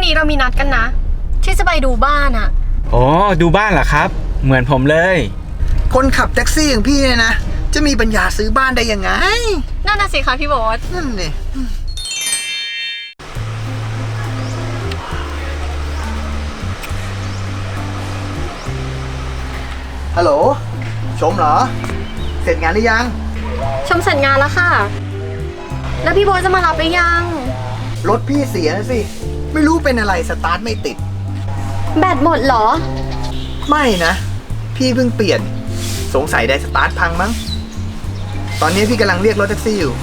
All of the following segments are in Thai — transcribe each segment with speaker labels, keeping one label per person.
Speaker 1: นี้เรามีนัดกันนะที่จะไปดูบ้านอะ
Speaker 2: อ๋อดูบ้านเหรอครับเหมือนผมเลย
Speaker 3: คนขับแท็กซี่อย่างพี่เนี่ยนะจะมีปัญญาซื้อบ้านได้ยังไง
Speaker 1: นั่นน่ะสิคะพี่โบ๊ท
Speaker 3: นั่นนี่ฮัลโหลชมเหรอเสร็จงานหรือยัง
Speaker 1: ชมเสร็จงานแล้วค่ะแล้วพี่โบ๊ทจะมารับหรือยัง
Speaker 3: รถพี่เสียนะสิไม่รู้เป็นอะไรสตาร์ทไม่ติด
Speaker 1: แบตหมดเหรอ
Speaker 3: ไม่นะพี่เพิ่งเปลี่ยนสงสัยได้สตาร์ทพังมั้งตอนนี้พี่กำลังเรียกรถแท็กซี่อยู่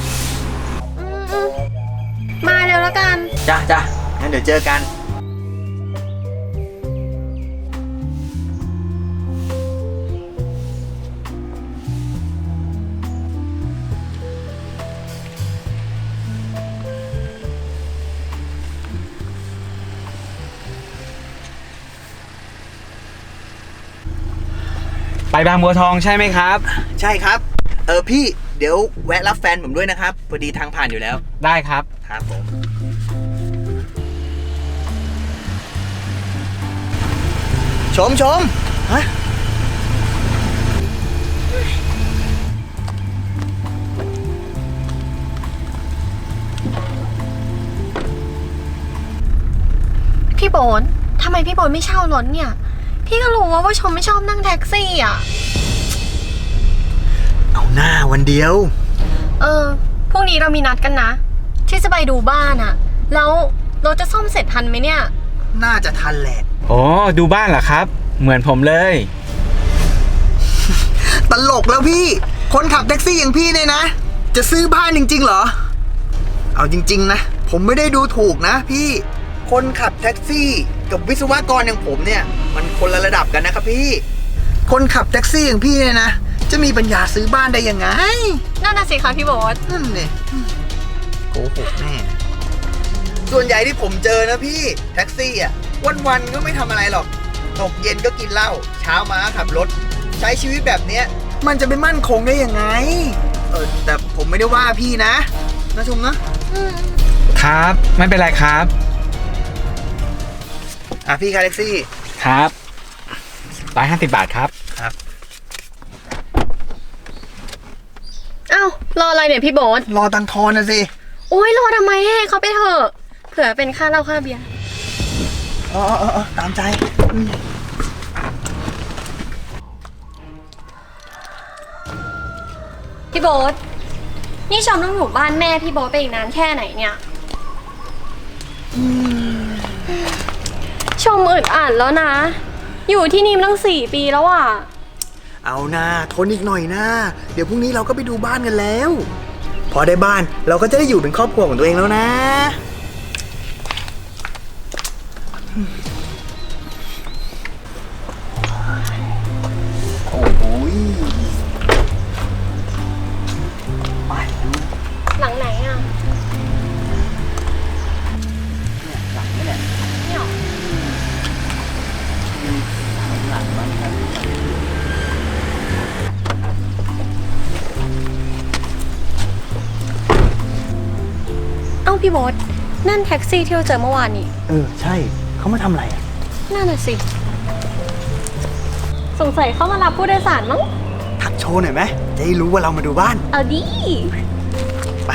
Speaker 1: มาเร็วแล้วกัน
Speaker 3: จ้ะงั้นเดี๋ยวเจอกัน
Speaker 2: ไปบางบัวทองใช่ไหมครับ
Speaker 3: ใช่ครับพี่เดี๋ยวแวะรับแฟนผมด้วยนะครับพอดีทางผ่านอยู่แล้ว
Speaker 2: ได้ครับ
Speaker 3: ครับผมชมฮะ
Speaker 1: พี่โบ๊ททำไมพี่โบ๊ทไม่เช่ารถเนี่ยพี่ก็รู้ว่าชมไม่ชอบนั่งแท็กซี่อ่ะ
Speaker 3: เอาหน้าวันเดียว
Speaker 1: พรุ่งนี้เรามีนัดกันนะที่จะไปดูบ้านอ่ะแล้วรถจะซ่อมเสร็จทันไหมเนี่ย
Speaker 3: น่าจะทันแหละ
Speaker 2: อ๋อดูบ้านเหรอครับเหมือนผมเลย
Speaker 3: ตลกแล้วพี่คนขับแท็กซี่อย่างพี่เนี่ยนะจะซื้อบ้านจริงๆเหรอเอาจริงๆนะผมไม่ได้ดูถูกนะพี่คนขับแท็กซี่กับวิศวกรอย่างผมเนี่ยมันคนละระดับกันนะครับพี่คนขับแท็กซี่อย่างพี่เนี่ยนะจะมีปัญญาซื้อบ้านได้ยังไง
Speaker 1: นั่นน่ะสิคะพี่โบ๊ท
Speaker 3: นั่นนี่โกหกแน่ส่วนใหญ่ที่ผมเจอนะพี่แท็กซี่อ่ะวันๆก็ไม่ทำอะไรหรอกตกเย็นก็กินเหล้าเช้ามาขับรถใช้ชีวิตแบบเนี้ยมันจะเป็นมั่นคงได้ยังไงแต่ผมไม่ได้ว่าพี่นะชมนะครับ
Speaker 2: ไม่เป็นไรครับ
Speaker 3: พี่ค่าแท็กซี่
Speaker 2: ครับ150 บาทครับ
Speaker 3: ครับ
Speaker 1: อ้าวรออะไรเนี่ยพี่โบ๊ท
Speaker 3: รอตังทอนนะสิ
Speaker 1: โอ้ยรอทำไมให้เขาไปเถอะเผื่อเป็นค่าเหล้าค่าเบียร์
Speaker 3: ตามใจ
Speaker 1: พี่โบ๊ทนี่ชมต้องอยู่บ้านแม่พี่โบ๊ทไปอีกนานแค่ไหนเนี่ยชมอึดอัดแล้วนะอยู่ที่นี่มาตั้ง4 ปีแล้วอ่ะ
Speaker 3: เอานะทนอีกหน่อยนะเดี๋ยวพรุ่งนี้เราก็ไปดูบ้านกันแล้วพอได้บ้านเราก็จะได้อยู่เป็นครอบครัวของตัวเองแล้วนะโอ้โหไปดู
Speaker 1: หลังไหนอ่ะ
Speaker 3: หลังนี่แหละ
Speaker 1: เนี่ย
Speaker 3: หลังบ้าน
Speaker 1: เอ้าพี่โบ๊ทนั่นแท็กซี่ที่เราเจอเมื่อวานนี่
Speaker 3: ใช่เขามาทำอะไรอ่ะ
Speaker 1: นั่นน่ะสิสงสัยเขามารับผู้โดยสารมั้ง
Speaker 3: ทักโชว์หน่อยไหมจะได้รู้ว่าเรามาดูบ้าน
Speaker 1: เอาดิ
Speaker 3: ไป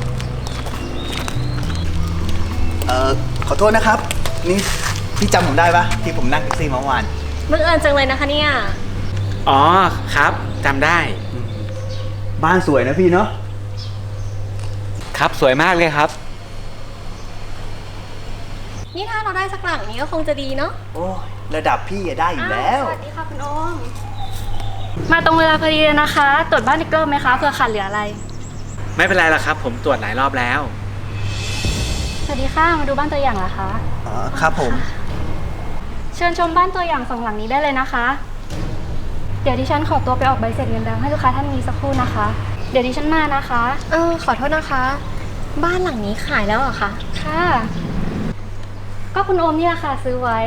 Speaker 3: ขอโทษนะครับนี่พี่จำผมได้ปะที่ผมนั่งแท็กซี่เมื่อวาน
Speaker 1: บังเอิญจังเลยนะคะเนี่ย
Speaker 2: อ๋อครับจำได้
Speaker 3: บ้านสวยนะพี่เนาะ
Speaker 2: ครับสวยมากเลยครับ
Speaker 1: นี่ถ้าเราได้สักหลังนี้ก็คงจะดีเนาะ
Speaker 3: โอ้ระดับพี่ได้อยู่แล้ว
Speaker 1: สวัสดีค่ะคุณโอม
Speaker 4: มาตรงเวลาพอดีเลยนะคะตรวจบ้านอีกรอบไหมคะเผื่อขาดเหลืออะไร
Speaker 2: ไม่เป็นไรหรอกครับผมตรวจหลายรอบแล้ว
Speaker 4: สวัสดีค่ะมาดูบ้านตัวอย่างเหรอคะ
Speaker 3: ครับผม
Speaker 4: เชิญชมบ้านตัวอย่าง2 หลังนี้ได้เลยนะคะเดี๋ยวดิฉันขอตัวไปออกใบเสร็จเงินดาวให้ลูกค้าท่านนี้สักครู่นะคะเดี๋ยวดิฉันมานะคะ
Speaker 1: ขอโทษนะคะบ้านหลังนี้ขายแล้วเหรอคะ
Speaker 4: ค่ะก็คุณโอมเนี่ยค่ะซื้อไว้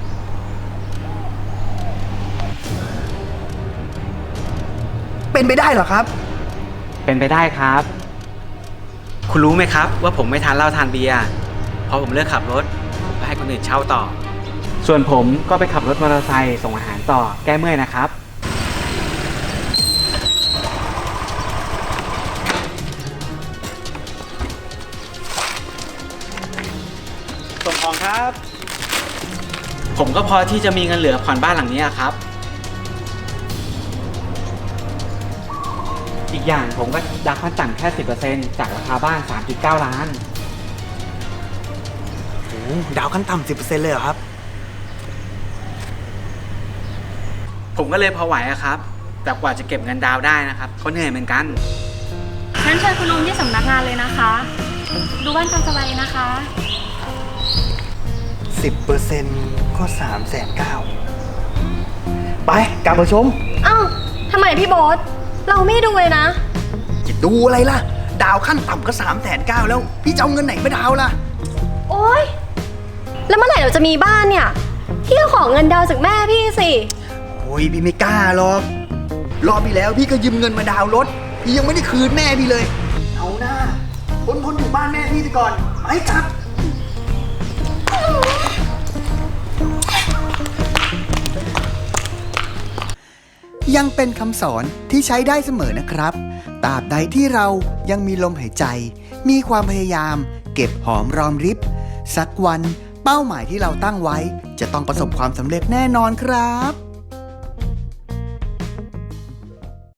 Speaker 3: เป็นไปได้เหรอครับ
Speaker 2: เป็นไปได้ครับคุณรู้ไหมครับว่าผมไม่ทานเหล้าทานเบียร์พอผมเลิกขับรถผมก็ให้คนอื่นเช่าต่อ ส่วนผมก็ไปขับรถมอเตอร์ไซค์ส่งอาหารต่อแก้เมื่อยนะครับ ส่งของครับ ผมก็พอที่จะมีเงินเหลือผ่อนบ้านหลังนี้ครับ อีกอย่างผมก็ดักขั้นต่ำแค่ 10% จากราคาบ้าน 3.9 ล้าน
Speaker 3: โอ้ดาวขั้นต่ำ10%เลยเหรอครับ
Speaker 2: ผมก็เลยพอไหวอะครับ แต่กว่าจะเก็บเงินดาวน์ได้นะครับก็เหนื่อยเหมือนกัน
Speaker 4: งั้นเชิญคุณลุงที่สำนักงานเลยนะคะ ดูบ้านตามสบายเลยนะคะ
Speaker 3: 10%ก็390,000ไปกลับมาชม
Speaker 1: เอ้าทำไมพี่โบ๊ทเราไม่ดูเลยนะ
Speaker 3: จะดูอะไรล่ะ ดาวขั้นต่ำก็390,000แล้ว พี่จะเอาเงินไหนมาดาวล่ะ
Speaker 1: โอ๊ย แล้วเมื่อไหร่เราจะมีบ้านเนี่ย พี่ก็ขอเงินดาวน์จากแม่พี่สิ
Speaker 3: โอ้ยพี่ไม่กล้าหรอก รอบที่แล้วพี่ก็ยืมเงินมาดาวน์รถ พี่ยังไม่ได้คืนแม่พี่เลย เอาหน้าทนอยู่บ้านแม่พี่ไปก่อนไปครับ ยังเป็นคำสอนที่ใช้ได้เสมอนะครับตราบใดที่เรายังมีลมหายใจ มีความพยายาม เก็บหอมรอมริบ สักวันเป้าหมายที่เราตั้งไว้ จะต้องประสบความสำเร็จแน่นอนครับ